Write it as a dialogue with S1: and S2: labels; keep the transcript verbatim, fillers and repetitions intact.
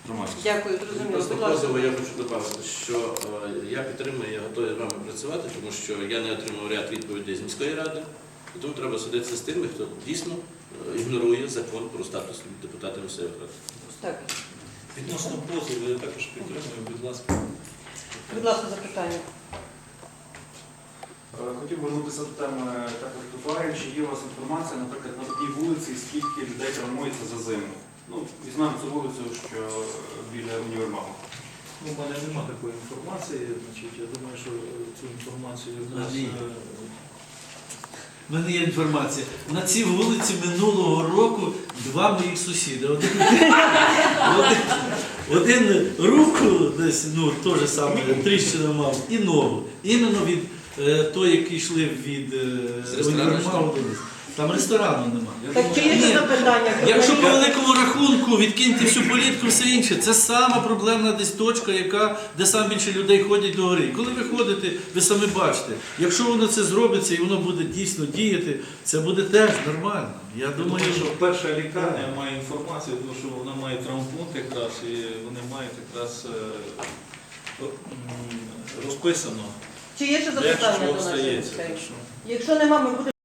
S1: громадськості.
S2: Дякую, зрозуміло.
S3: Просто
S2: Будь ласка.
S3: позову я хочу додати, що е, я підтримую, я готовий з вами працювати, тому що я не отримав ряд відповідей з міської ради, і тому треба судитися з тими, хто дійсно е, ігнорує закон про статус депутата місцевих рад.
S2: Так,
S1: Відносно позову я також підтримую, будь ласка.
S2: будь ласка, запитання.
S4: Е, Хотів вернутися до теми також тротуарів. Чи є у вас інформація, наприклад, на одній вулиці, скільки людей травмується за зиму? Ну, візьмемо цю вулицю, що біля універмагу.
S1: Ну, у мене немає такої інформації, значить, я думаю, що цю інформацію в нас...
S5: Ні.
S1: е,
S5: У мене є інформація. На цій вулиці минулого року два моїх сусіди. Один, один, один руку десь, ну, теж саме, тріщину мав, і ногу. Іменно від е, той, який йшли від
S3: З
S5: е,
S3: ресторану
S5: універмагу до нас. Там ресторану нема.
S1: я
S2: Так,
S1: думаю,
S2: чи є
S5: Ні.
S2: ще запитання?
S5: Якщо по великому рахунку відкиньте всю політику, все інше, це сама проблемна десь точка, яка, де сам більше людей ходять до гори. Коли ви ходите, ви самі бачите, якщо воно це зробиться і воно буде дійсно діяти, це буде теж нормально. Я
S1: Я
S5: думаю,
S1: думаю,
S5: що
S1: що перша лікарня має інформацію, тому що вона має травмпункт якраз, і вони мають якраз е, м, розписано,
S2: Чи є ще
S1: де
S2: запитання
S1: що
S2: до нашої
S1: стається.
S2: гостей?
S1: Так що-
S2: Якщо нема, ми будемо